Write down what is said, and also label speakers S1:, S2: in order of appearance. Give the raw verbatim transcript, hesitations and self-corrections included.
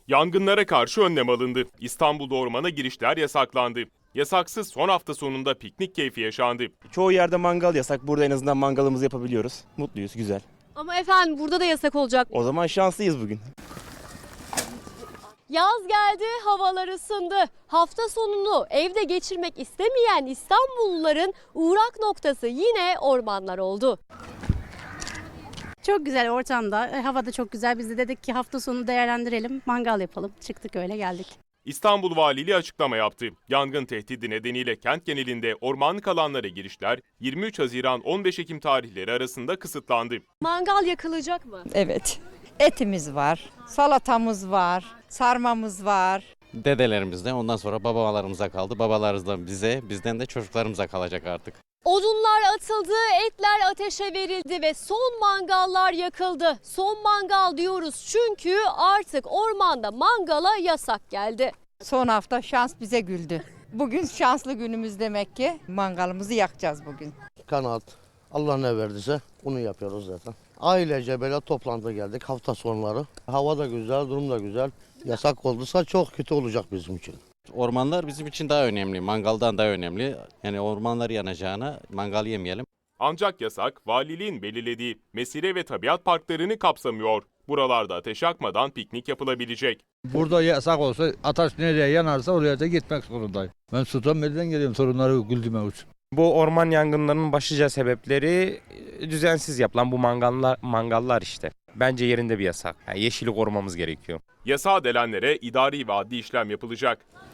S1: Yangınlara karşı önlem alındı. İstanbul'da ormana girişler yasaklandı. Yasaksız son hafta sonunda piknik keyfi yaşandı.
S2: Çoğu yerde mangal yasak. Burada en azından mangalımızı yapabiliyoruz. Mutluyuz, güzel.
S3: Ama efendim burada da yasak olacak.
S2: O zaman şanslıyız bugün.
S3: Yaz geldi, havalar ısındı. Hafta sonunu evde geçirmek istemeyen İstanbulluların uğrak noktası yine ormanlar oldu.
S4: Çok güzel ortamda, e, hava da çok güzel. Biz de dedik ki hafta sonu değerlendirelim, mangal yapalım. Çıktık öyle geldik.
S1: İstanbul Valiliği açıklama yaptı. Yangın tehdidi nedeniyle kent genelinde ormanlık alanlara girişler yirmi üç Haziran on beş Ekim tarihleri arasında kısıtlandı.
S3: Mangal yakılacak mı?
S5: Evet. Etimiz var, salatamız var, sarmamız var.
S6: Dedelerimizden ondan sonra babalarımıza kaldı. Babalarımızdan bize, bizden de çocuklarımıza kalacak artık.
S3: Odunlar atıldı, etler ateşe verildi ve son mangallar yakıldı. Son mangal diyoruz çünkü artık ormanda mangala yasak geldi.
S5: Son hafta şans bize güldü. Bugün şanslı günümüz demek ki. Mangalımızı yakacağız bugün.
S7: Kanaat. Allah ne verdiyse onu yapıyoruz zaten. Ailece böyle toplantı geldik hafta sonları. Hava da güzel, durum da güzel. Yasak olduysa çok kötü olacak bizim için.
S6: Ormanlar bizim için daha önemli, mangaldan daha önemli. Yani ormanlar yanacağına mangal yemeyelim.
S1: Ancak yasak valiliğin belirlediği mesire ve tabiat parklarını kapsamıyor. Buralarda ateş yakmadan piknik yapılabilecek.
S8: Burada yasak olsa ateş nereye yanarsa oraya da gitmek zorundayım. Ben Sultanbeyli'den geliyorum sorunları güldürmek için.
S9: Bu orman yangınlarının başlıca sebepleri düzensiz yapılan bu mangallar, mangallar işte. Bence yerinde bir yasak. Yani yeşili korumamız gerekiyor.
S1: Yasağa delenlere idari ve adli işlem yapılacak.